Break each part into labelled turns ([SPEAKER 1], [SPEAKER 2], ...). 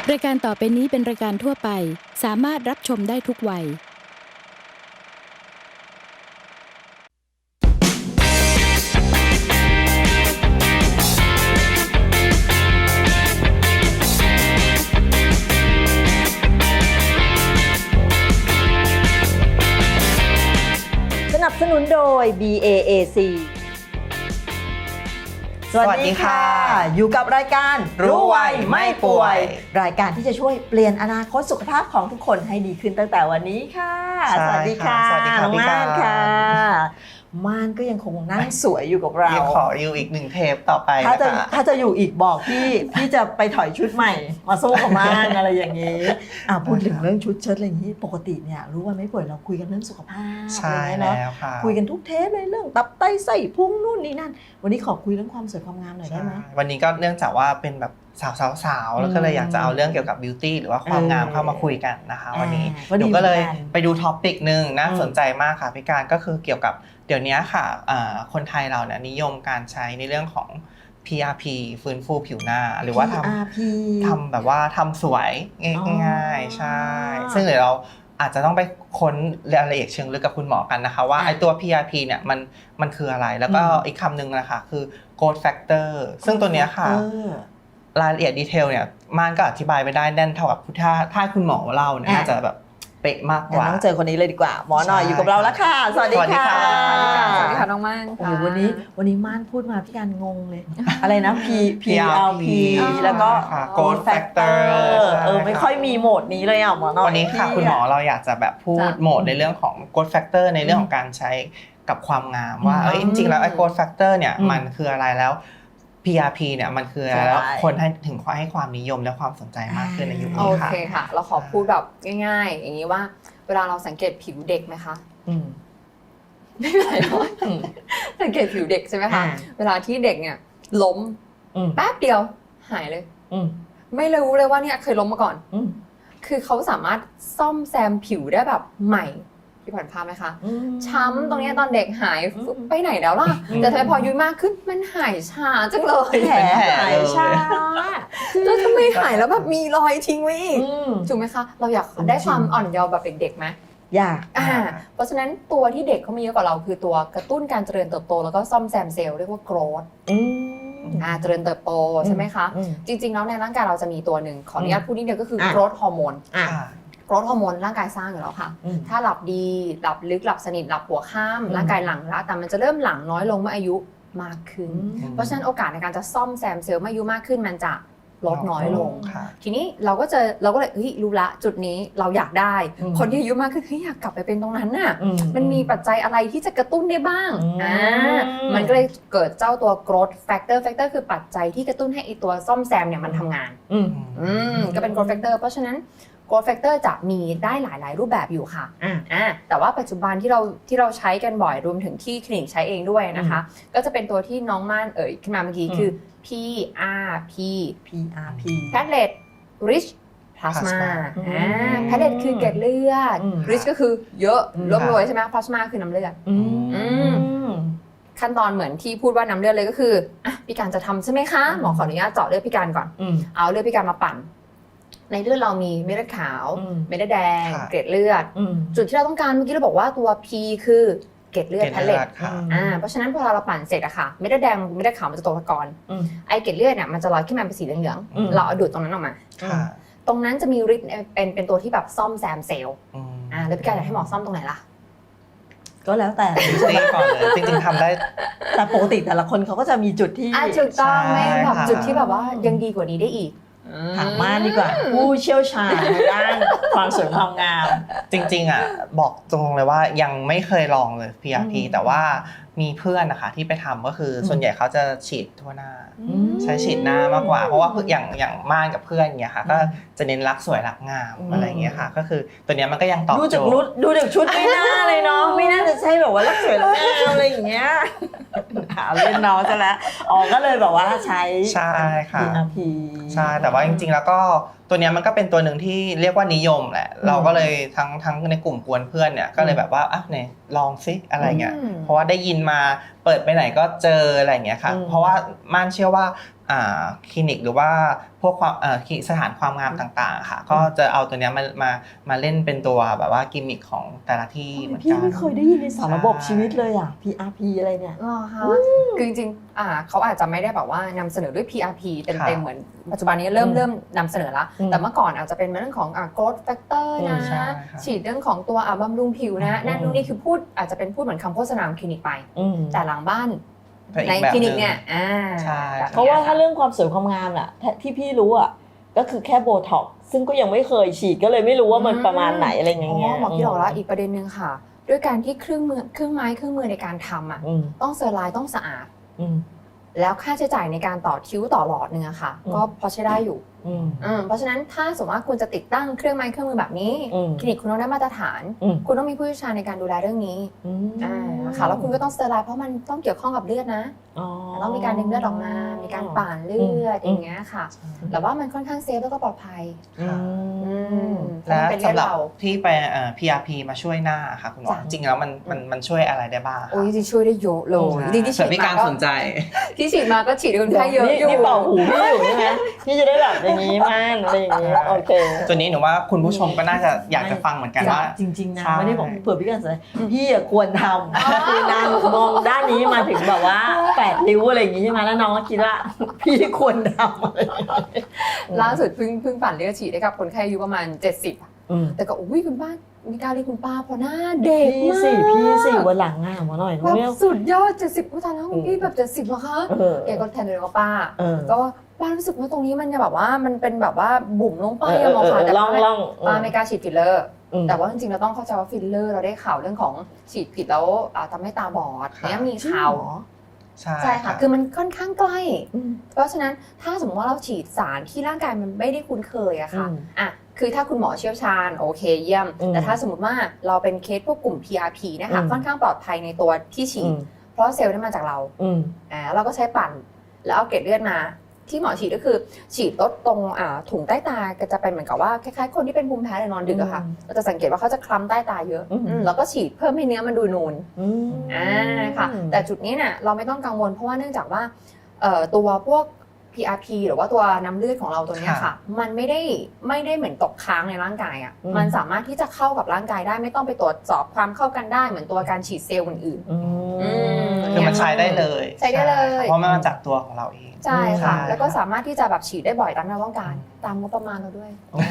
[SPEAKER 1] รายการต่อไปนี้เป็นรายการทั่วไปสามารถรับชมได้ทุกวัย
[SPEAKER 2] สนับสนุนโดย BAAC สวัสดีค่ะอยู่กับรายการ
[SPEAKER 3] รู้ไวไม่ป่วย
[SPEAKER 2] รายการที่จะช่วยเปลี่ยนอนาคตสุขภาพของทุกคนให้ดีขึ้นตั้งแต่วันนี้ค่ะสวัสดีค่ะ
[SPEAKER 3] สวัสดีค่ะ
[SPEAKER 2] น้อง
[SPEAKER 3] พี่
[SPEAKER 2] ม่าน
[SPEAKER 3] กา
[SPEAKER 2] ค่ะม่านก็ยังคงนั่งสวยอยู่กับเรา
[SPEAKER 3] ขออยู่อีก1 เทปต่อไป
[SPEAKER 2] ถ้าจะอยู่อีกบอกพี่จะไปถอยชุดใหม่มาสู้กับม่านอะไรอย่างนี้พูดถึงเรื่องชุดเชิ้ตอะไรอย่างนี้ปกติเนี่ยรู้ว่าไม่ป่วยเราคุยกันเรื่องสุขภาพ
[SPEAKER 3] ใช่
[SPEAKER 2] เนาะ
[SPEAKER 3] แล้วค่ะ
[SPEAKER 2] คุยกันทุกเทปเลยเรื่องตับไตไส้พุงนู่นนี่นั่นวันนี้ขอคุยเรื่องความสวยความงามหน่อยได้ไหม
[SPEAKER 3] วันนี้ก็เนื่องจากว่าเป็นแบบสาวๆแล้วก็เลยอยากจะเอาเรื่องเกี่ยวกับบิวตี้หรือว่าความงามเข้ามาคุยกันนะคะวันนี้หนูก็เลยไปดูท็อปิกนึงน่าสนใจมากค่ะพี่การก็คือเกี่ยวกับเดี๋ยวนี้ค่ะคนไทยเราเนี่ยนิยมการใช้ในเรื่องของ PRP ฟื้นฟูผิวหน้าหรือว่าทำแบบว่าทำสวยง่ายๆใช่ซึ่งเดี๋ยวเราอาจจะต้องไปค้นรายละเอียดเชิงลึกกับคุณหมอกันนะคะว่าไอ้ตัว PRP เนี่ยมันคืออะไรแล้วก็อีกคำหนึ่งนะคะคือ growth factor ซึ่งตัวเนี้ยค่ะรายละเอียดดีเทลเนี่ยม่านก็อธิบายไม่ได้แน่นเท่ากับถ้าคุณหมอเล่าเนี่ยน่าจะแบบเป๊ะมากกว่า
[SPEAKER 2] ต้องเจอคนนี้เลยดีกว่าหมอหน่อยอยู่กับเราแล้วค่ะสวัสดีค่ะ
[SPEAKER 4] สวัสดีค่ะน้องม่าน
[SPEAKER 2] โอ้โหวันนี้ม่านพูดมาพี่การงงเลยอะไรนะ PRP แล้วก็
[SPEAKER 3] growth factor
[SPEAKER 2] ไม่ค่อยมีโหมดนี้เลยอ่ะหมอหน่อย
[SPEAKER 3] วันนี้ค่ะคุณหมอเราอยากจะแบบพูดโหมดในเรื่องของ growth factor ในเรื่องของการใช้กับความงามว่าจริงๆแล้วไอ้ growth factor เนี่ยมันคืออะไรแล้ว PRP เนี่ยมันคืออะไรแล้วคนให้ความนิยมและความสนใจมากขึ้นในยุคนี้ค่ะ
[SPEAKER 4] โอเคค่ะเราขอพูดแบบง่ายๆอย่างนี้ว่าเวลาเราสังเกตผิวเด็กไหมคะไม่เป็นไรหรอกสังเกตผิวเด็กใช่ไหมคะเวลาที่เด็กเนี่ยล้มแป๊บเดียวหายเลยไม่รู้เลยว่าเนี่ยเคยล้มมาก่อนคือเขาสามารถซ่อมแซมผิวได้แบบใหม่ที่ผ่านภาพไหมคะช้ำตรงนี้ตอนเด็กหายไปไหนแล้วล่ะแต่ทำไมพออายุมากขึ้นมันหายช้าจังเลย
[SPEAKER 2] แผลหายช้า
[SPEAKER 4] แล้วทำไมหายแล้วแบบมีรอยทิ้งไว้อีกถูกไหมคะเราอยากได้ความอ่อนเยาว์แบบเด็กๆไหม
[SPEAKER 2] อยาก
[SPEAKER 4] เพราะฉะนั้นตัวที่เด็กเขามีเยอะกว่าเราคือตัวกระตุ้นการเจริญเติบโตแล้วก็ซ่อมแซมเซลล์เรียกว่า growth เจริญเติบโตใช่ไหมคะจริงๆแล้วในร่างกายเราจะมีตัวหนึ่งขออนุญาตพูดนิดเดียวก็คือ growth hormone growth hormone ร่างกายสร้างอยู่แล้วค่ะถ้าหลับดีหลับลึกหลับสนิทหลับหัวค่ำร่างกายหลั่งละแต่มันจะเริ่มหลั่งน้อยลงเมื่ออายุมากขึ้นเพราะฉะนั้นโอกาสในการจะซ่อมแซมเซลล์เมื่ออายุมากขึ้นมันจะลดน้อยลงทีนี้เราก็เลยรู้ละจุดนี้เราอยากได้คนที่อายุมากขึ้นอยากกลับไปเป็นตรงนั้นน่ะมันมีปัจจัยอะไรที่จะกระตุ้นได้บ้างมันก็เลยเกิดเจ้าตัว growth factor คือปัจจัยที่กระตุ้นให้ไอตัวซ่อมแซมเนี่ยมันทำงานก็เป็น growth factor เพราะฉะนั้นgrowth factor จะมีได้หลายรูปแบบอยู่ค่ะแต่ว่าปัจจุบันที่เราใช้กันบ่อยรวมถึงที่คลินิกใช้เองด้วยนะคะก็จะเป็นตัวที่น้องม่านขึ้นมาเมื่อกี้คือ PRP Platelet Rich Plasma Platelet คือเกล็ดเลือด Rich ก็คือเยอะร่วมรวยใช่ไหม Plasma คือน้ำเลือดขั้นตอนเหมือนที่พูดว่าน้ำเลือดเลยก็คือพี่การจะทำใช่ไหมคะหมอขออนุญาตเจาะเลือดพี่การก่อนเอาเลือดพี่การมาปั่นในเลือดเรามีเม็ดเลือดขาวเม็ดเลือดแดงเกล็ดเลือดจุดที่เราต้องการเมื่อกี้เราบอกว่าตัว P คือเกล็ดเลือดแพลเล็ตเพราะฉะนั้นพอเราปั่นเสร็จอะค่ะเม็ดเลือดแดงเม็ดเลือดขาวมันจะตกตะกอนไอเกล็ดเลือดเนี่ยมันจะลอยขึ้นมาเป็นสีเหลืองๆเราเอาดูดตรงนั้นออกมาตรงนั้นจะมีฤทธิ์เป็นตัวที่แบบซ่อมแซมเซลล์แล้วพี่การอยากให้หมอซ่อมตรงไหนล่ะ
[SPEAKER 2] ก็แล้วแต่
[SPEAKER 3] ก่อนเลยจริงๆทำได้
[SPEAKER 2] แต่ปกติแต่ละคนเขาก็จะมีจุดที่
[SPEAKER 4] ถูกต้องไหมแบบจุดที่แบบว่ายังดีกว่านี้ได้อีก
[SPEAKER 2] ถามม่านดีกว่าผู้เชี่ยวชาญในด้านความสวยความงาม
[SPEAKER 3] จริงๆบอกตรงเลยว่ายังไม่เคยลองเลย PRP แต่ว่ามีเพื่อนนะคะที่ไปทำก็คือส่วนใหญ่เขาจะฉีดทั่วหน้าใช้ฉีดหน้ามากกว่าเพราะว่าอย่างม่านกับเพื่อนเนี่ยค่ะก็จะเน้นรักสวยรักงามอะไรอย่างเงี้ยค่ะก็คือตัวเนี้ยมันก็ยังตอบโจทย์
[SPEAKER 2] ดูจากชุดไม่น่าเลยเนาะไม่น่าจะใช่แบบว่ารักสวยรักงามอะไรอย่างเงี้ยเล่นน้องซะแล้วก็เลยแบบว่าใช้
[SPEAKER 3] ค่ะ
[SPEAKER 2] PRP
[SPEAKER 3] ใช่แต่ว่าจริงๆแล้วก็ตัวนี้มันก็เป็นตัวหนึ่งที่เรียกว่านิยมแหละเราก็เลยทั้งในกลุ่มกวนเพื่อนเนี่ยก็เลยแบบว่าเนี่ยลองซิอะไรเงี้ยเพราะว่าได้ยินมาเปิดไปไหนก็เจออะไรเงี้ยค่ะเพราะว่าม่านเชื่อว่าคลินิกหรือว่าพวกความสถานความงามต่างๆค่ะก็จะเอาตัวเนี้ยมาเล่นเป็นตัวแบบว่ากิมมิคของแต่ละที่เหมือน
[SPEAKER 2] พี่
[SPEAKER 3] กัน
[SPEAKER 2] ไม่เคยได้ยินในสารระบบชีวิตเลยอ่ะ PRP อะไรเนี่ย
[SPEAKER 4] อ๋อค่ะคือจริงๆเขาอาจจะไม่ได้แบบว่านำเสนอด้วย PRP เต็มๆเหมือนปัจจุบันนี้เริ่มนำเสนอแล้วแต่เมื่อก่อนอาจจะเป็นเรื่องของgrowth factor นะ
[SPEAKER 3] ใช่
[SPEAKER 4] ฉีดเรื่องของตัวบำรุงผิวนะนั่นนู่นนี่คืออาจจะเป็นพูดเหมือนคำโฆษณาของคลินิกไปแต่หลังบ้านในคลินิกเนี่ย
[SPEAKER 3] ใช่
[SPEAKER 2] เพราะว่าถ้าเรื่องความสวยความงามน่ะที่พี่รู้อ่ะก็คือแค่โบท็อกซ์ซึ่งก็ยังไม่เคยฉีดก็เลยไม่รู้ว่ามันประมาณไหนอะไรอย่างเงี้ย
[SPEAKER 4] หมอคิดออกแล้วอีกประเด็นนึงค่ะด้วยการที่เครื่องไม้เครื่องมือในการทำอ่ะต้องเซอร์ไลน์ต้องสะอาดแล้วค่าใช้จ่ายในการต่อคิ้วต่อหลอดนึงอะค่ะก็พอใช้ได้อยู่เพราะฉะนั้นถ้าสมมติว่าคุณจะติดตั้งเครื่องไม้เครื่องมือแบบนี้คลินิกคุณต้องได้มาตรฐานคุณต้องมีผู้เชี่ยวชาญในการดูแลเรื่องนี้ค่ะแล้วคุณก็ต้องสเตอร์ไลน์เพราะมันต้องเกี่ยวข้องกับเลือดนะต้องมีการดึงเลือดออกมามีการป่านเลือดอย่างเงี้ยค่ะแต่ว่ามันค่อนข้างเซฟแล้วก็ปลอดภัย
[SPEAKER 3] และสำหรับที่ไปPRP มาช่วยหน้าค่ะคุณหมอจริงแล้วมันช่วยอะไรได้บ้างคะ
[SPEAKER 4] จริงช่วยได้เยอะเลยจริงที่ฉีดมาก็สนใจที่ฉีดมาก็ฉีดคนไข้เยอะอยู่
[SPEAKER 2] นี่เป่าหูพี่อยู่ใช่ไหมพี่จะได้แบบอย่างนี้มั่นอะไรอย่างนี้โอเค
[SPEAKER 3] ตัวนี้หนูว่าคุณผู้ชมก็น่าจะอยากจะฟังเหมือนกันว่า
[SPEAKER 2] จริงๆนะไม่ได้บอกเผื่อพี่กันสนพี่ควรทำคือนางมองด้านนี้มาถึงแบบว่า8 นิ้วอะไรอย่างนี้ใช่ไหมแล้วน้องก็คิดว่าพี่ควรทำ
[SPEAKER 4] ล่าสุดเพิ่งปั่นเลือดฉีดให้กับคนไข้อายุประมาณ70แต่ก็อุ้ยคุณป้ามีการเรียกคุณป้าพอหน้าเด็กมาก
[SPEAKER 2] พี่สิวันหลังอ่ะมาหน่อย
[SPEAKER 4] แบบสุดยอด70อุ้ยตายแล้วคุณพี่แบบ70เหรอคะแกก็แทนเลยว่าป้าก็ป้ารู้สึกว่าตรงนี้มันจะแบบว่ามันเป็นแบบว่าบุ๋มลงไปอะหมอคะแต่ป้าไม่กล้าฉีดฟิลเลอร์แต่ว่าจริงๆเราต้องเข้าใจว่าฟิลเลอร์เราได้ข่าวเรื่องของฉีดผิดแล้วทำให้ตาบอดเนี่ยมีข่าวใช่ค่ะคือมันค่อนข้างใกล้เพราะฉะนั้นถ้าสมมติว่าเราฉีดสารที่ร่างกายมันไม่ได้คุ้นเคยอะค่ะคือถ้าคุณหมอเชี่ยวชาญโอเคเยี่ยมแต่ถ้าสมมติว่าเราเป็นเคสพวกกลุ่ม PRP นะคะค่อนข้างปลอดภัยในตัวที่ฉีดเพราะเซลล์ได้มาจากเราเราก็ใช้ปั่นแล้วเอาเกล็ดเลือดมาที่หมอฉีดก็คือฉีดลดตรงถุงใต้ตาก็จะเป็นเหมือนกับว่าคล้ายๆคนที่เป็นภูมิแพ้หรือนอนดึกอะค่ะเราจะสังเกตว่าเขาจะคล้ำใต้ตาเยอะแล้วก็ฉีดเพิ่มให้เนื้อมันดูนูนค่ะแต่จุดนี้เนี่ยเราไม่ต้องกังวลเพราะว่าเนื่องจากว่าตัวพวก PRP หรือว่าตัวน้ำเลือดของเราตัวนี้ค่ะมันไม่ได้เหมือนตกค้างในร่างกายอ่ะมันสามารถที่จะเข้ากับร่างกายได้ไม่ต้องไปตรวจสอบความเข้ากันได้เหมือนตัวการฉีดเซลล์อื่น
[SPEAKER 3] คือมันใช้ได้เลย
[SPEAKER 4] ใช้ได้เลย
[SPEAKER 3] เพราะมันมาจากตัวของเราเอง
[SPEAKER 4] ใช่ค่ะแล้วก็สามารถที่จะแบบฉีดได้บ่อยตามที่เราต้องการตามงบประมาณเราด้วย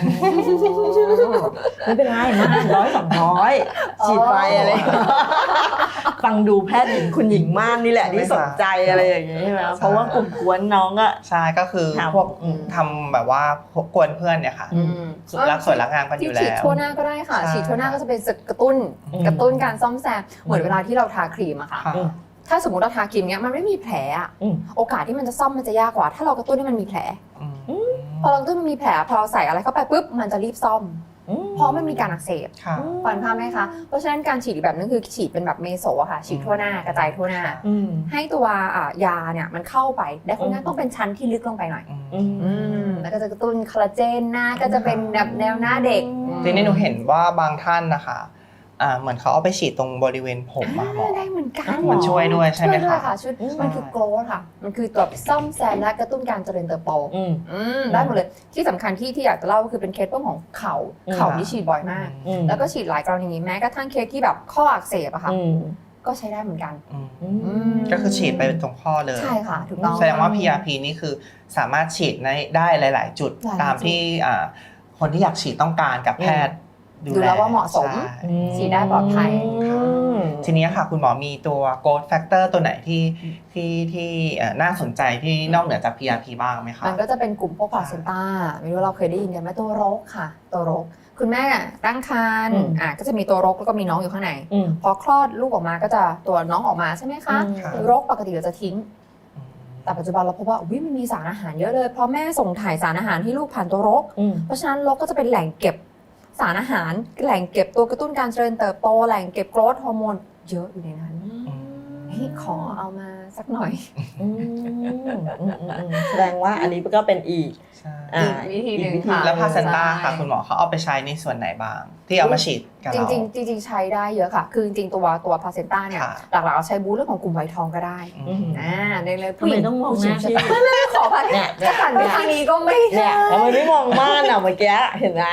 [SPEAKER 2] ไม่เป็นไรมาก100-200ฉีดไปอะไรฟังดูแพทย์หญิงคุณหญิงม่านนี่แหละที่สนใจอะไรอย่างนี้ใช่ไหมเพราะว่ากลุ่มกวนน้องก็
[SPEAKER 3] ใช่ก็คือพวกทำแบบว่ากวนเพื่อนเนี่ยค่ะรักสวยรักงามกันอยู่แล้ว
[SPEAKER 4] ฉีดทั่วหน้าก็ได้ค่ะฉีดทั่วหน้าก็จะเป็นกระตุ้นการซ่อมแซมเหมือนเวลาที่เราทาครีมอะค่ะถ้าสมมติเราทาครีมเนี้ยมันไม่มีแผลอะโอกาสที่มันจะซ่อมมันจะยากกว่าถ้าเรากระตุ้นให้มันมีแผลพอเรากระตุ้นมันมีแผลพอเราใส่อะไรเข้าไปปุ๊บมันจะรีบซ่อมเพราะมันมีการอักเสบฟังภาพไหมคะเพราะฉะนั้นการฉีดแบบนั้นคือฉีดเป็นแบบเมโซอะค่ะฉีดทั่วหน้ากระจายทั่วหน้าให้ตัวยาเนี่ยมันเข้าไปและคนนั้นต้องเป็นชั้นที่ลึกลงไปหน่อยแล้วก็จะกระตุ้นคอลลาเจนหน้าก็จะเป็นแบบแนวหน้าเด็ก
[SPEAKER 3] ทีนี้หนูเห็นว่าบางท่านนะคะเหมือนเขาเอาไปฉีดตรงบริเวณผมมาหมอ
[SPEAKER 4] ได้เหมือนกัน
[SPEAKER 3] มันช่วยด้วยใช่ไหมคะ
[SPEAKER 4] ช่วยมันคือโกรธค่ะมันคือตัวซ่อมแซมและกระตุ้นการเจริญเติบโตได้หมดเลยที่สำคัญที่อยากจะเล่าก็คือเป็นเคสเรื่องของเข่าที่ฉีดบ่อยมากแล้วก็ฉีดหลายกรณีแม้กระทั่งเคสที่แบบข้ออักเสบอะค่ะก็ใช้ได้เหมือนกัน
[SPEAKER 3] ก็คือฉีดไปตรงข้อเลย
[SPEAKER 4] ใช่ค่ะถูกต้อง
[SPEAKER 3] แสดงว่า PRP นี่คือสามารถฉีดได้หลายๆจุดตามที่คนที่อยากฉีดต้องการกับแพทย์
[SPEAKER 4] ดูแล้วว่าเหมาะสมฉีดได้ปลอดภัย
[SPEAKER 3] ทีนี้ค่ะคุณหมอมีตัว growth factor ตัวไหนที่น่าสนใจที่นอกเหนือจาก PRP บ้างไหมคะ
[SPEAKER 4] มันก็จะเป็นกลุ่มพวกพลาเซนต้าไม่รู้เราเคยได้ยินกันไหมตัวรกค่ะตัวรกคุณแม่ตั้งครรภ์ก็จะมีตัวรกแล้วก็มีน้องอยู่ข้างในพอคลอดลูกออกมาก็จะตัวน้องออกมาใช่ไหมคะรกปกติเราจะทิ้งแต่ปัจจุบันเราพบว่ามันมีสารอาหารเยอะเลยเพราะแม่ส่งถ่ายสารอาหารให้ลูกผ่านตัวรกเพราะฉะนั้นรกก็จะเป็นแหล่งเก็บสารอาหารแหล่งเก็บตัวกระตุ้นการเจริญเติบโตแหล่งเกร็บโกรทฮอร์โมนเยอะอยู่ในนั้นที่ขอเอามาสักหน่อย
[SPEAKER 2] แสดงว่าอันนี้ก็เป็นอีก
[SPEAKER 3] ใช่
[SPEAKER 2] อ่า
[SPEAKER 4] อีกวิธีหนึ่ง
[SPEAKER 2] อีกวิธี
[SPEAKER 4] ค่ะ
[SPEAKER 3] แล้วพาเซนต้าค่ะ
[SPEAKER 4] ใช่
[SPEAKER 3] คุณหมอเขาเอาไปใช้ในส่วนไหนบ้าง ที่เอามาฉีดกับ
[SPEAKER 4] จ
[SPEAKER 3] เรา
[SPEAKER 4] ริงๆใช้ได้เยอะค่ะ คือจริงๆตัวพาเซนต้าเนี่ย
[SPEAKER 3] ค่ะ
[SPEAKER 4] หลักๆเราใช้บูสต์เรื่องของกลุ่มไวท์ทองก็ได้
[SPEAKER 3] อืม
[SPEAKER 4] ในเลย
[SPEAKER 2] ทำไมต้องมองหน้าพี่
[SPEAKER 4] ไม่ขอพัน
[SPEAKER 2] เนี่ย
[SPEAKER 4] จะหันไปทางนี้ก็ไม่
[SPEAKER 2] เนี่
[SPEAKER 4] ได้
[SPEAKER 2] ยทำไมไม่มองม่านอ่ะเมื่อกี้เห็นไหม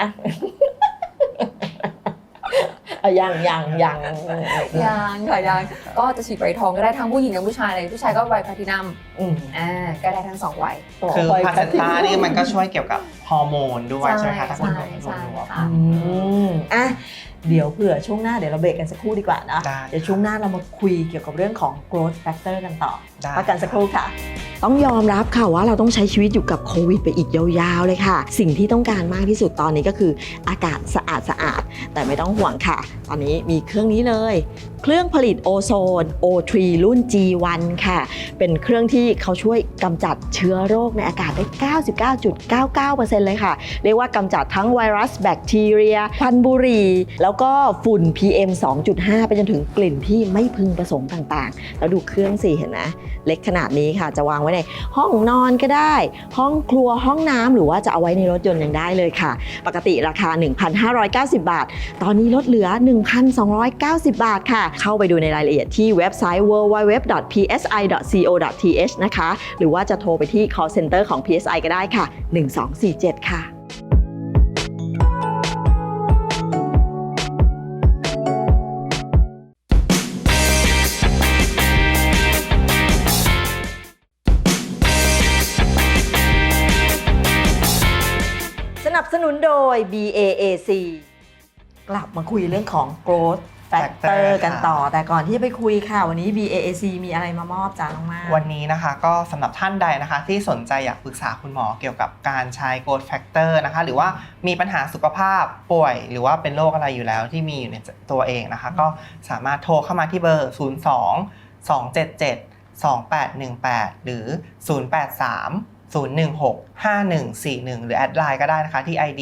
[SPEAKER 2] ยัง
[SPEAKER 4] ยังค่ะยังก็จะฉีดไวท์ทองก็ได้ทั้งผู้หญิงและผู้ชายเลยผู้ชายก็ไวท์แพลทินัมก็ได้ทั้ง2วัย
[SPEAKER 3] คือพาเซนต้านี่มันก็ช่วยเกี่ยวกับฮอร์โมนด้วยใช่ไหมคะถ้าคุณหมอ
[SPEAKER 4] ใช่
[SPEAKER 3] รู้ว่า
[SPEAKER 4] ค่ะ
[SPEAKER 2] อ่ะเดี๋ยวเผื่อช่วงหน้าเดี๋ยวเราเบรกกันสักครู่ดีกว่านะ
[SPEAKER 3] ได้
[SPEAKER 2] เดี๋ยวช่วงหน้าเรามาคุยเกี่ยวกับเรื่องของ growth factor กันต่อ
[SPEAKER 3] ได้
[SPEAKER 2] พักกันสักครู่ค่ะ
[SPEAKER 5] ต้องยอมรับค่ะว่าเราต้องใช้ชีวิตอยู่กับโควิดไปอีกยาวๆเลยค่ะ สิ่งที่ต้องการมากที่สุดตอนนี้ก็คืออากาศสะอาดๆแต่ไม่ต้องห่วงค่ะ ตอนนี้มีเครื่องนี้เลย เครื่องผลิตโอโซน O3 รุ่น G1 ค่ะ เป็นเครื่องที่เขาช่วยกำจัดเชื้อโรคในอากาศได้ 99.99% เลยค่ะ เรียกว่ากำจัดทั้งไวรัสแบคทีเรียควันบุหรี่แล้วก็ฝุ่น PM 2.5 ไปจนถึงกลิ่นที่ไม่พึงประสงค์ต่างๆ แล้วดูเครื่องสิเห็นไหมเล็กขนาดนี้ค่ะจะวางไว้ในห้องนอนก็ได้ ห้องครัวห้องน้ำหรือว่าจะเอาไว้ในรถยนต์ยังได้เลยค่ะ ปกติราคา 1,590 บาท ตอนนี้ลดเหลือ 1,290 บาทค่ะ เข้าไปดูในรายละเอียดที่เว็บไซต์ www.psi.co.th นะคะ หรือว่าจะโทรไปที่ call center ของ PSI ก็ได้ค่ะ 1247 ค่ะ
[SPEAKER 2] สนับสนุนโดย BAAC กลับมาคุยเรื่องของ growth factor กันต่อ แต่ก่อนที่จะไปคุยค่ะ วันนี้ BAAC มีอะไรมามอบจ้าน้องมาก
[SPEAKER 3] วันนี้นะคะก็สำหรับท่านใดนะคะที่สนใจอยากปรึกษาคุณหมอเกี่ยวกับการใช้ growth factor นะคะหรือว่ามีปัญหาสุขภาพป่วยหรือว่าเป็นโรคอะไรอยู่แล้วที่มีอยู่ในตัวเองนะคะก็สามารถโทรเข้ามาที่เบอร์ 02-277-2818 หรือ 083-016-5141 หรือแอดไลน์ก็ได้นะคะที่ ID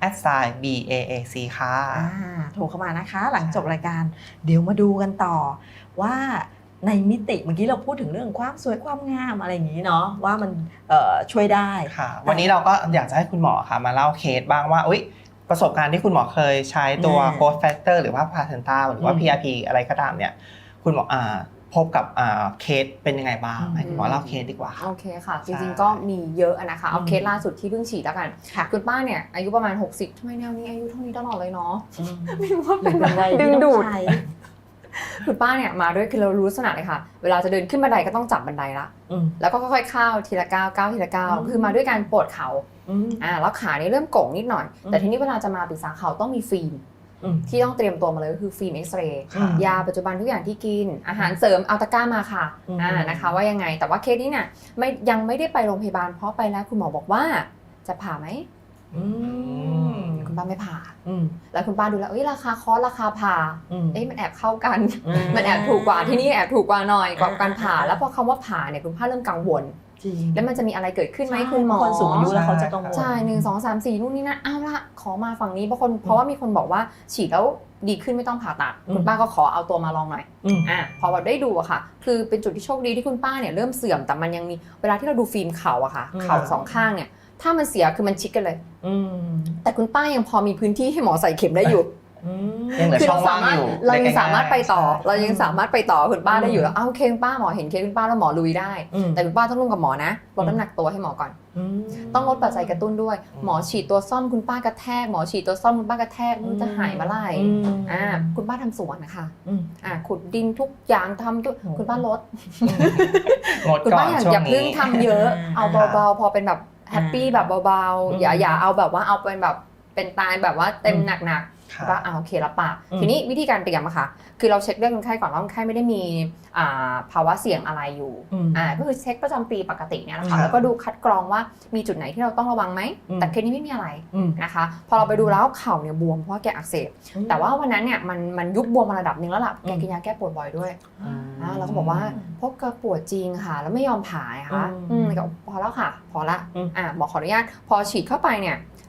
[SPEAKER 3] @BAAC ค่ะ
[SPEAKER 2] โทรเข้ามานะคะหลังจบรายการเดี๋ยวมาดูกันต่อว่าในมิติเมื่อกี้เราพูดถึงเรื่องความสวยความงามอะไรอย่างนี้เนาะว่ามันช่วยได้
[SPEAKER 3] ค่ะวันนี้เราก็อยากจะให้คุณหมอค่ะมาเล่าเคสบ้างว่าประสบการณ์ที่คุณหมอเคยใช้ตัว growth factor หรือว่า placenta หรือว่า PRP อะไรก็ตามเนี่ยคุณหมอพบกับเคสเป็นยังไงบ้างให้คุณหมอเล่าเคสดีกว่าค่ะ
[SPEAKER 4] โอเคค่ะ จริงๆก็มีเยอะนะคะ เอาเคสล่าสุดที่เพิ่งฉีดแล้วกัน
[SPEAKER 2] ค่ะ
[SPEAKER 4] คุณป้าเนี่ยอายุประมาณ 60ทำไมแนวนี้อายุเท่านี้ตลอดเลยเนาะ
[SPEAKER 2] อืม
[SPEAKER 4] ไม่รู้ว่า
[SPEAKER 2] หรื
[SPEAKER 4] เป็
[SPEAKER 2] อน เป็นวัย
[SPEAKER 4] ดึ
[SPEAKER 2] ที่
[SPEAKER 4] ง
[SPEAKER 2] ต้อง
[SPEAKER 4] ดูด
[SPEAKER 2] ใช้
[SPEAKER 4] คุณป้าเนี่ยมาด้วยคือเรารู้ลักษณะเลยค่ะ เวลาจะเดินขึ้นบันไดก็ต้องจับบันไดละ
[SPEAKER 2] อืม
[SPEAKER 4] แล้วก็ค่อยๆก้าวทีละก้าวทีละก้าว
[SPEAKER 2] อืม
[SPEAKER 4] คือมาด้วยการปวดเข่า
[SPEAKER 2] อืม
[SPEAKER 4] แล้วขานี่เริ่มโก่งนิดหน่อย
[SPEAKER 2] อืม
[SPEAKER 4] แต่ทีนี้เวลาจะมาปรึกษาเขาต้องมีฟิล์ม
[SPEAKER 2] อืม
[SPEAKER 4] ที่ต้องเตรียมตัวมาเลยก็คือฟิล์มเอ็กซเรย์
[SPEAKER 3] ค่ะ
[SPEAKER 4] ยาปัจจุบันทุกอย่างที่กิน อาหารเสริมเอาตะกร้ามาค่ะ
[SPEAKER 2] อืม
[SPEAKER 4] นะคะว่ายังไง แต่ว่าเคสนี้เนี่ยยังไม่ได้ไปโรงพยาบาลเพราะไปแล้วคุณหมอบอกว่าจะผ่าไหม
[SPEAKER 2] อืม
[SPEAKER 4] คุณป้าไม่ผ่า
[SPEAKER 2] อืม
[SPEAKER 4] แล้วคุณป้าดูแล้วราคาคอร์สราคาผ่า
[SPEAKER 2] อืม
[SPEAKER 4] มันแอบเข้ากัน มันแอบถูกกว่าที่นี่แอบถูกกว่าหน่อยกว่าการผ่า แล้วพอคำว่าผ่าเนี่ยคุณป้าเริ่มกังวล
[SPEAKER 2] จริง
[SPEAKER 4] แล้วมันจะมีอะไรเกิดขึ้นไหมคุณหมอ
[SPEAKER 2] คนสูงอายุแล้วเขาจะกังวล
[SPEAKER 4] ใช่1 2 3 4นู่นนี่นั่นเอาละขอมาฝั่งนี้เพราะว่ามีคนบอกว่าฉีดแล้วดีขึ้นไม่ต้องผ่าตัด
[SPEAKER 2] อืม
[SPEAKER 4] คุณป้าก็ขอเอาตัวมาลองหน่อย
[SPEAKER 2] อืม
[SPEAKER 4] พอแบบได้ดูอะค่ะ คือเป็นจุดที่โชคดีที่คุณป้าเนี่ยเริ่มเสื่อมแต่มันยังมีเวลาที่เราดูฟิล์มเข่าอะค่ะ
[SPEAKER 2] อืม
[SPEAKER 4] เข่าสองข้างเนี่ยถ้ามันเสียคือมันชิดกันเลย
[SPEAKER 2] อืม
[SPEAKER 4] แต่คุณป้ายังพอมีพื้นที่ให้หมอใส่เข็มได้อยู่
[SPEAKER 2] อืม
[SPEAKER 3] ยังเหลือ
[SPEAKER 4] คือ
[SPEAKER 3] ช่องว่างอยู่
[SPEAKER 4] เรายังสามารถไปต่อ
[SPEAKER 3] ใช่
[SPEAKER 4] เรายังสามารถไปต่อคุณป้าได้อยู่
[SPEAKER 2] อืม
[SPEAKER 4] แล้วโอเคคุณป้าหมอเห็นเคสคุณป้าแล้วหมอลุยได้
[SPEAKER 2] อืม
[SPEAKER 4] แต่คุณป้าต้องร่วมกับหมอนะลดน้ำหนักตัวให้หมอก่อน
[SPEAKER 2] อืม
[SPEAKER 4] ต้องลดปัจจัยกระตุ้นด้วย หมอฉีดตัวซ่อมคุณป้ากระแทกหมอฉีดตัวซ่อมคุณป้ากระแทกมันจะหายเมื่อไหร่
[SPEAKER 2] อืม
[SPEAKER 4] คุณป้าทำสวนนะคะ
[SPEAKER 2] อืม
[SPEAKER 4] ขุดดินทุกอย่างทำทุก
[SPEAKER 2] โอ้
[SPEAKER 4] คุณป้าลด
[SPEAKER 3] งด
[SPEAKER 4] คุณ
[SPEAKER 3] ก่อ
[SPEAKER 4] ป้าน
[SPEAKER 3] ช่ว
[SPEAKER 4] อย่าง เพิ่ง
[SPEAKER 3] นี้
[SPEAKER 4] ทำเยอะ เอาเบาๆพอเป็นแบบแฮปปี้แบบเบา
[SPEAKER 2] อืม
[SPEAKER 4] ๆอย่าเอาแบบว่าเอาเป็นแบบเป็นตายแบบว่าเต็มหนักๆ
[SPEAKER 3] ค่ะ
[SPEAKER 4] ก็โอเครับปาก
[SPEAKER 2] อืม
[SPEAKER 4] ทีนี้วิธีการเตรียมอะค่ะ คือเราเช็คเรื่องคนไข้ก่อนว่าคนไข้ไม่ได้มีภาวะเสี่ยงอะไรอยู่
[SPEAKER 2] อืม
[SPEAKER 4] ก็คือเช็คประจำปีปกติเนี่ยแหละ
[SPEAKER 3] ครั
[SPEAKER 4] ค่ะ
[SPEAKER 3] บ
[SPEAKER 4] แล้วก็ดูคัดกรองว่ามีจุดไหนที่เราต้องระวังไหม
[SPEAKER 2] อืม
[SPEAKER 4] แต่เคสนี้ไม่มีอะไร
[SPEAKER 2] อืม
[SPEAKER 4] นะคะ พอเราไปดูแล้วเข่าเนี่ยบวมเพราะว่าแกอักเสบ แต่ว่าวันนั้นเนี่ยมันยุบบวมมาระดับหนึ่งแล้วล่ะ แกกินยาแก้ปวดบ่อยด้วย เราก็บอกว่าพบกับปวดจริงค่ะ แล้วไม่ยอมผ่าค่ะก็พอแล้วค่ะ พอละ หมอขออนุญาตพอฉีดเข้าไปเนี่ย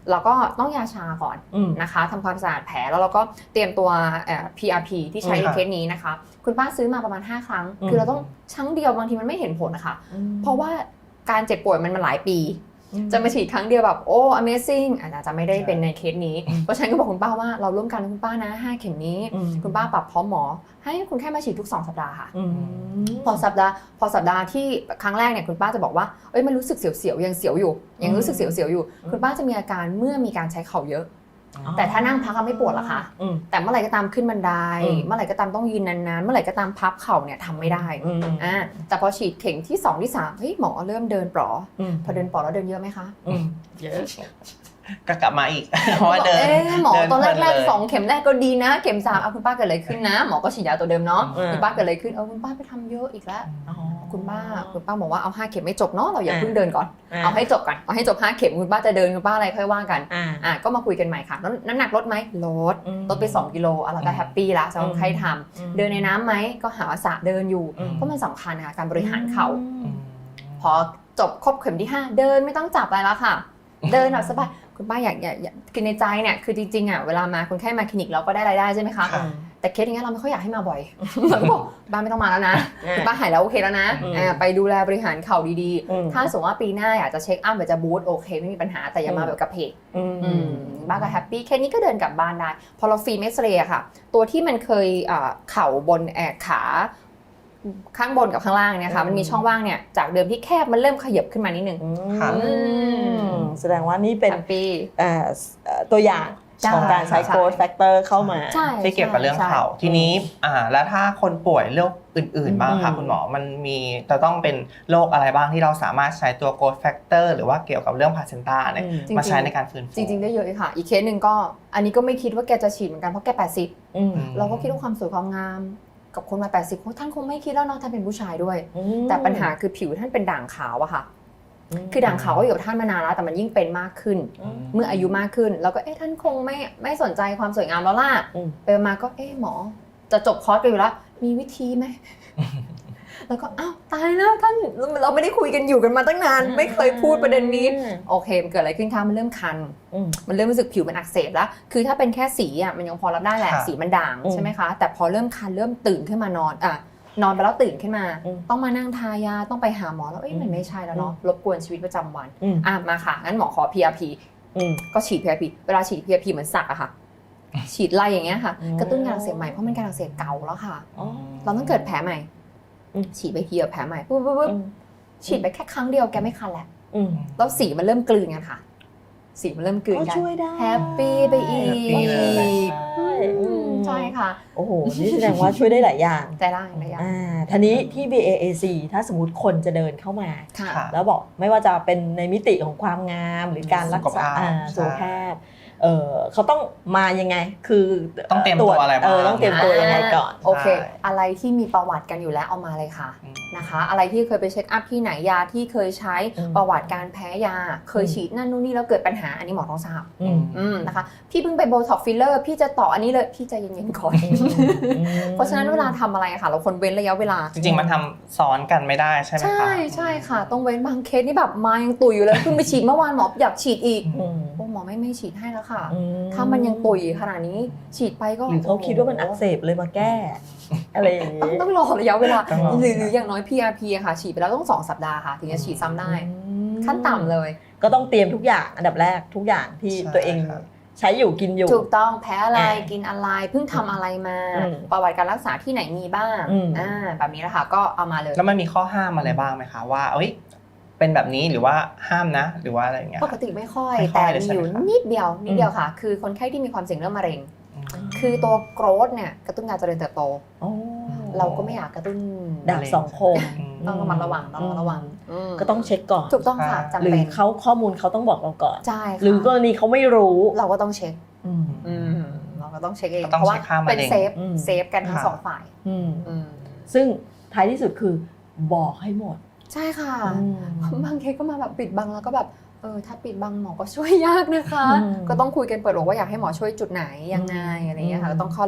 [SPEAKER 4] เราก็ต้องยาชาก่อน
[SPEAKER 5] อืม
[SPEAKER 4] นะคะทำความสะอาดแผลแล้วเราก็เตรียมตัวPRP ที่ใช้ในเคสนี้นะคะ คุณป้าซื้อมาประมาณ5ครั้ง คือเราต้องครั้งเดียวบางทีมันไม่เห็นผลนะคะเพราะว่าการเจ็บป่วยมันหลายปี จะมาฉีดครั้งเดียวแบบโอ้ amazing อาจจะไม่ได้เป็นในเคสนี้ เพราะฉะนั้นก็บอกคุณป้าว่าเราร่วมกันนะคุณป้านะ5เข็มนี้ คุณป้าปรับพร้อมหมอให้คุณแค่มาฉีดทุก2สัปดาห์ค่ะพอสัปดาห์ที่ครั้งแรกเนี่ยคุณป้าจะบอกว่าเอ้ยมันรู้สึกเสียวๆยังเสียวอยู่ยังรู้สึกเสียวๆอยู่คุณป้าจะมีอาการเมื่อมีการใช้เข่าเยอะแต่ถ้านั่งพักก็ไม่ปวดหรอกค่ะแต่เมื่อไหร่ก็ตามขึ้นบันไดเมื่อไหร่ก็ตามต้องยืนนานๆเมื่อไหร่ก็ตามพับเข่าเนี่ยทำไม่ได้แต่พอฉีดเข็มที่2ที่3เฮ้ยหมอเริ่มเดินปลอพอเดินปลอแล้วเดินเยอะไหมคะเยอะ
[SPEAKER 3] ก็กลับมาอีก เพราะว่าเดิน
[SPEAKER 4] หมอตอนแรก
[SPEAKER 3] เลย
[SPEAKER 4] 2เข็มแรกก็ดีนะเข็ม3เอาคุณป้าเกิดอะไรขึ้นนะหมอก็ฉีดยาตัวเดิมเนาะคุณป้าเกิดอะไรขึ้นคุณป้าไปทำเยอะอีกแล้วคุณป้าบอกว่าเอา5เข็มไม่จบเนาะเราอย่าเพิ่งเดินก่อนเอาให้จบก่อนเอาให้จบ5เข็มคุณป้าจะเดินคุณป้าอะไรค่อยว่ากันก็มาคุยกันใหม่ค่ะแล้วน้ำหนักลดไหมลดไป2กิโลเราก็แฮปปี้ละสำหรับใครทำเดินในน้ำไหมก็หาสระเดินอยู่เพราะมันสำคัญค่ะการบริหารเข่าพอจบครบเข็มที่5เดินไม่ต้องจับอะไรแล้วค่ะเดินแบบสบายคุณป้าอยากคือในใจเนี่ยคือจริงๆอ่ะเวลามาคนไข้มาคลินิกเราก็ได้รายได้ใช่ไหมคะแต่เคสอย่างเงี้ยเราไม่ค่อยอยากให้มาบ่อยเราบอกบ้านไม่ต้องมาแล้วนะคุณป้าหายแล้วโอเคแล้วนะไปดูแลบริหารเข่าดีๆถ้าสมมติว่าปีหน้าอยากจะเช็คอัพอยากจะบูสต์โอเคไม่มีปัญหาแต่อย่ามาแบบกระเพกบ้านก็แฮปปี้แค่นี้ก็เดินกลับบ้านได้พอเราฟิล์มเอ็กซเรย์ค่ะตัวที่มันเคยเข่าบนขาข้างบนกับข้างล่างเนี่ยค่ะมันมีช่องว่างเนี่ยจากเดิมที่แคบมันเริ่มขยับขึ้นมานิดนึง
[SPEAKER 5] แสดงว่านี่เป็นตัวอย่าง
[SPEAKER 4] ใช่
[SPEAKER 5] ของการใช้ growth factor เข้ามา
[SPEAKER 3] ที่เกี่ยวกับเรื่องเข่าทีนี้แล้วถ้าคนป่วยโรคอื่นๆบ้างค่ะคุณหมอมันมีจะต้องเป็นโรคอะไรบ้างที่เราสามารถใช้ตัว growth factor หรือว่าเกี่ยวกับเรื่อง placenta เนี่ยมาใช้ในการฟื้นฟู
[SPEAKER 4] จริงๆได้เยอะค่ะอีกเคสหนึ่งก็อันนี้ก็ไม่คิดว่าแกจะฉีดเหมือนกันเพราะแก80เราก็คิดว่าความสวยความงามกับคนมา80ท่านคงไม่คิดแล้วเนาะท่านเป็นผู้ชายด้วยแต่ปัญหาคือผิวท่านเป็นด่างขาวอะค่ะคือด่างขาวก็อยู่กับท่านมานานแล้วแต่มันยิ่งเป็นมากขึ้นเมื่ออายุมากขึ้นแล้วก็ท่านคงไม่สนใจความสวยงามแล้วล่ะไปมาก็หมอจะจบคอร์สกันอยู่แล้วมีวิธีไหม แล้วก็อ้าวตายแล้วท่านเราไม่ได้คุยกันอยู่กันมาตั้งนานไม่เคยพูดประเด็นนี้โอเคมันเกิดอะไรขึ้นคะมันเริ่มคันมันเริ่มรู้สึกผิวมันอักเสบแล้วคือถ้าเป็นแค่สีอ่ะมันยังพอรับได้แหละสีมันด่างใช่ไหมคะแต่พอเริ่มคันเริ่มตื่นขึ้นมานอนไปแล้วตื่นขึ้นมาต้องมานั่งทายาต้องไปหาหมอแล้วมันไม่ใช่แล้วเนาะรบกวนชีวิตประจำวันมาค่ะงั้นหมอขอ PRP ก็ฉีด PRP เวลาฉีด PRP เหมือนสักอะค่ะฉีดไล่อย่างเงี้ยค่ะกระตุ้นการอักเสบใหม่เพราะมันการอักเสบเก่าแล้วค่ะเราต้องเกิดแผลใหม่ฉีดไปทีแผลใหม่ปุ๊บฉีดไปแค่ครั้งเดียวแกไม่คันแล้วแล้วสีมันเริ่มกลืนกันค่ะสีมันเริ่มกลืนกันแฮปปี้ไปอีกใช่ค่ะ
[SPEAKER 5] โอ้โหนี่แสดงว่าช่วยได้หลายอย่าง
[SPEAKER 4] ได้หลายอย่าง
[SPEAKER 5] ทีนี้ที่ BAAC ถ้าสมมติคนจะเดินเข้ามาแล้วบอกไม่ว่าจะเป็นในมิติของความงามหรือการรักษาสุขภาพเขาต้องมายังไงคือ
[SPEAKER 3] ต้องเตรียมตัวอะไรบ้าง
[SPEAKER 5] ต้องเตรียมตัวยังไงก่อน
[SPEAKER 4] โอเคอะไรที่มีประวัติกันอยู่แล้วเอามาเลยค่ะนะคะอะไรที่เคยไปเช็คอัพที่ไหนยาที่เคยใช้ประวัติการแพ้ยาเคยฉีดนั่นนู่นนี่แล้วเกิดปัญหาอันนี้หมอต้องทราบนะคะพี่เพิ่งไปโบท็อกฟิลเลอร์พี่จะต่ออันนี้เลยพี่ใจเย็นๆก่อนเพราะฉะนั้นเวลาทำอะไรค่ะเราควรเว้นระยะเวลา
[SPEAKER 3] จริงๆมันทำซ้อนกันไม่ได้ใช่ไหมคะ
[SPEAKER 4] ใช่ค่ะต้องเว้นบางเคสนี่แบบมายังตุยอยู่เลยเพิ่งไปฉีดเมื่อวานหมออยากฉีดอีกหมอไม่ฉีดให้แล้วค่ะถ้ามันยังตุยขนาดนี้ฉีดไปก็
[SPEAKER 5] หรือเขาคิดว่ามันอักเสบเลยมาแก้อะไรอย่างนี้
[SPEAKER 4] ต้องรอระยะเวลาหรืออย่างน้อย PRP ค่ะฉีดไปแล้วต้อง2 สัปดาห์ค่ะถึงจะฉีดซ้ำได้ขั้นต่ำเลย
[SPEAKER 5] ก็ต้องเตรียมทุกอย่างอันดับแรกทุกอย่างที่ตัวเองใช้อยู่กินอยู่
[SPEAKER 4] ถูกต้องแพ้อะไรกินอะไรเพิ่งทำอะไรมาประวัติการรักษาที่ไหนมีบ้างแบบนี้แหละค่ะก็เอามาเลย
[SPEAKER 3] แล้วมันมีข้อห้ามอะไรบ้างไหมคะว่าเป็นแบบนี้หรือว่าห้ามนะหรือว่าอะไรอย่างเงี้ย
[SPEAKER 4] ปกติไม่ค่อยแต่มีอยู่นิดเดียวค่ะคือคนไข้ที่มีความเสี่ยงเรื่องมะเร็งคือตัวโกรทเนี่ยกระตุ้นการเจริญเติบโตเราก็ไม่อยากกระตุ้น
[SPEAKER 5] ดาบสองคม
[SPEAKER 4] ต้องระมัดระวัง
[SPEAKER 5] ก็ต้องเช็คก่อน
[SPEAKER 4] ถูกต้องค่ะจำเป็น
[SPEAKER 5] หรือเขาข้อมูลเขาต้องบอกเราก่อน
[SPEAKER 4] ใช่
[SPEAKER 5] หรือกรณีเขาไม่รู้
[SPEAKER 4] เราก็ต้องเช็คเราก็ต้องเช็คเองเพราะว่าเป็นเซฟกันทั้ง2 ฝ่าย
[SPEAKER 5] ซึ่งท้ายที่สุดคือบอกให้หมด
[SPEAKER 4] ใช่ค่ะบางเคสก็มาแบบปิดบังแล้วก็แบบถ้าปิดบังหมอก็ช่วยยากนะคะก็ต้องคุยกันเปิดอกว่าอยากให้หมอช่วยจุดไหนยังไงอะไรอย่างเงี้ยค่ะต้องเข้าเล่า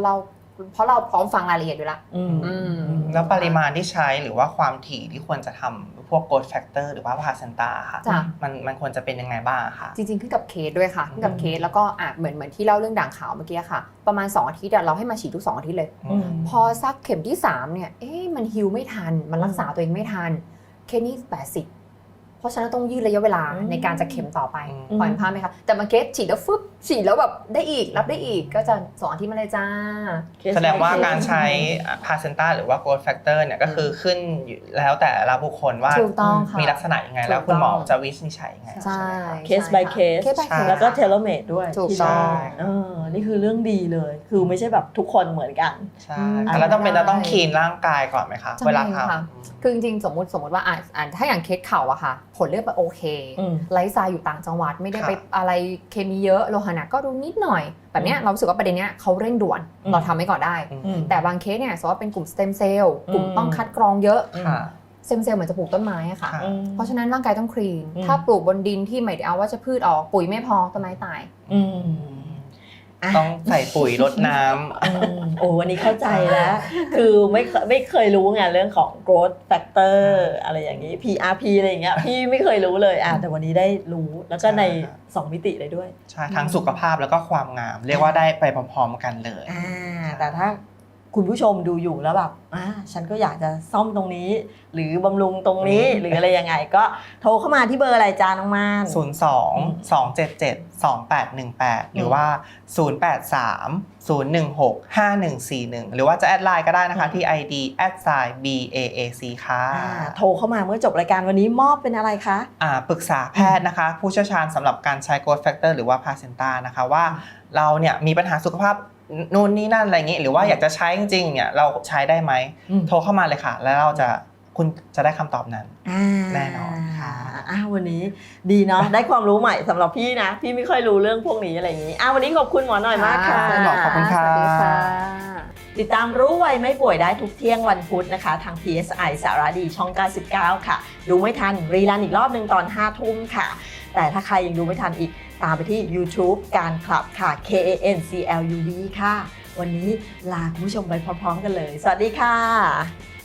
[SPEAKER 4] เพราะเราพร้อมฟังรายละเอียดอยู่ละ
[SPEAKER 2] อืม
[SPEAKER 3] แล้วปริมาณที่ใช้หรือว่าความถี่ที่ควรจะทำพวก growth factor หรือว่า placenta ค่ะ
[SPEAKER 4] จ้ะ
[SPEAKER 3] มันควรจะเป็นยังไงบ้างคะ
[SPEAKER 4] จริงๆขึ้นกับเคสด้วยค่ะขึ้นกับเคสแล้วก็เหมือนที่เล่าเรื่องด่างขาวเมื่อกี้ค่ะประมาณ2อาทิตย์เราให้มาฉีดทุก2อาทิตย์เลย
[SPEAKER 2] อืม
[SPEAKER 4] พอสักเข็มที่3เนี่ยมันฮิลไม่ทันมันรักษาตัวเองไม่ทันเคสนี้80เพราะฉะนั้นต้องยืดระยะเวลาในการจะเข็มต่อไป
[SPEAKER 3] อืม
[SPEAKER 4] ปล่อยภาพไหมคะแต่บางเคสฉีดแล้วฟึบฉีดแล้วแบบได้อีกรับได้อีกก็จะ2อาทิตย์มาเลยจ้า
[SPEAKER 3] แสดงว่าการใช้ placenta หรือว่า growth factor เนี่ยก็คือขึ้นอยู่แล้วแต่ละบุคคลว่า
[SPEAKER 4] ถูกต้องค่ะ
[SPEAKER 3] มีลักษณะยังไงแล้วคุณหมอจะวินิจฉัยยังไง
[SPEAKER 4] ใช่
[SPEAKER 2] เคส by เคส
[SPEAKER 4] by case
[SPEAKER 2] แล้วก็เทเลเมดด้วย
[SPEAKER 4] ถูก
[SPEAKER 2] ที่
[SPEAKER 4] ต้อง
[SPEAKER 2] ได้นี่คือเรื่องดีเลย คือไม่ใช่แบบทุกคนเหมือนกัน
[SPEAKER 3] ใช่แล้วต้องคลีนร่างกายก่อนไหมคะ
[SPEAKER 4] จำเป็น
[SPEAKER 3] เวลาท
[SPEAKER 4] ค่ะ คือจริงๆสมมติว่าถ้าอย่างเคสเข่าอะค่ะ ผลเลือดมันโอเค
[SPEAKER 2] อืม
[SPEAKER 4] ไลฟ์สไตล์อยู่ต่างจังหวัดไม่ได้ไปอะไรเคมีเยอะโลหะหนักก็ดูนิดหน่อยแบบเนี้ยเรารู้สึกว่าประเด็นเนี้ยเขาเร่งด่วน
[SPEAKER 2] อืม
[SPEAKER 4] เราทำไว้ก่อนได้
[SPEAKER 3] ำ
[SPEAKER 2] อืม
[SPEAKER 4] แต่บางเคสเนี่ยสมมติว่าเป็นกลุ่มสเต็มเซลล์กลุ่ม
[SPEAKER 2] อืม
[SPEAKER 4] ต้องคัดกรองเยอะ
[SPEAKER 3] ค่ะ
[SPEAKER 4] สเต็มเซลล์เหมือนจะปลูกต้นไม้อะค่ะ
[SPEAKER 3] ค่ะ
[SPEAKER 4] เพราะฉะนั้นร่างกายต้องคลีน
[SPEAKER 2] อืม
[SPEAKER 4] ถ้าปลูกบนดินที่ไม่ได้เอาว่าจะพืชออกปุ๋ยไม่พอต้นไม้ตาย
[SPEAKER 2] อืม
[SPEAKER 3] ต้องใส่ปุ๋ยรดน้ำ
[SPEAKER 2] โอ้วันนี้เข้าใจแล้ว คือไม่เคยรู้ไงเรื่องของ growth factor อะไรอย่างนี้ PRP อะไรอย่างเงี้ยพี่ไม่เคยรู้เลยแต่วันนี้ได้รู้แล้วก็ใน 2 มิติเลยด้วย
[SPEAKER 3] ใช่ทั้งสุขภาพแล้วก็ความงาม เรียกว่าได้ไปพร้อมๆกันเลย
[SPEAKER 2] แต่ถ้าคุณผู้ชมดูอยู่แล้วแบบฉันก็อยากจะซ่อมตรงนี้ หรือบำรุงตรงนี้หรืออะไรยังไงก็โทรเข้ามาที่เบอร์อะไรจ้าน้องม่าน
[SPEAKER 3] 02-277-2818 หรือว่า 083-016-5141 หรือว่าจะแอดไลน์ก็ได้นะคะที่ ID @BAAC ค่ะ
[SPEAKER 2] โทรเข้ามาเมื่อจบรายการวันนี้มอบเป็นอะไรคะ
[SPEAKER 3] ปรึกษาแพทย์นะคะ ผู้เชี่ยวชาญสำหรับการใช้ growth factor หรือว่า placenta นะคะว่าเราเนี่ยมีปัญหาสุขภาพนู่นนี่นั่นอะไรอย่างงี้หรือว่าอยากจะใช้จริงๆเนี่ยเราใช้ได้ไหมโทรเข้ามาเลยค่ะ แล้วคุณจะได้คำตอบนั้นแน่นอนค่ะ
[SPEAKER 2] วันนี้ดีเนาะ ได้ความรู้ใหม่สำหรับพี่นะ พี่ไม่ค่อยรู้เรื่องพวกนี้อะไรอย่างนี้วันนี้ขอบคุณหมอหน่อยมากค่ะ
[SPEAKER 3] ขอบคุณค่ะ
[SPEAKER 4] สวัสดีค่ะ
[SPEAKER 2] ติดตามรู้ไวไม่ป่วยได้ทุกเที่ยงวันพุธนะคะ ทาง PSI สารดีช่อง 99 ค่ะ ดูไม่ทันรีรันอีกรอบหนึ่งตอน 5 ทุ่มค่ะ แต่ถ้าใครยังดูไม่ทันอีกตามไปที่ YouTube การคลับค่ะ KANCLUB ค่ะ วันนี้ลาคุณผู้ชมไปพร้อมๆกันเลย สวัสดีค่ะ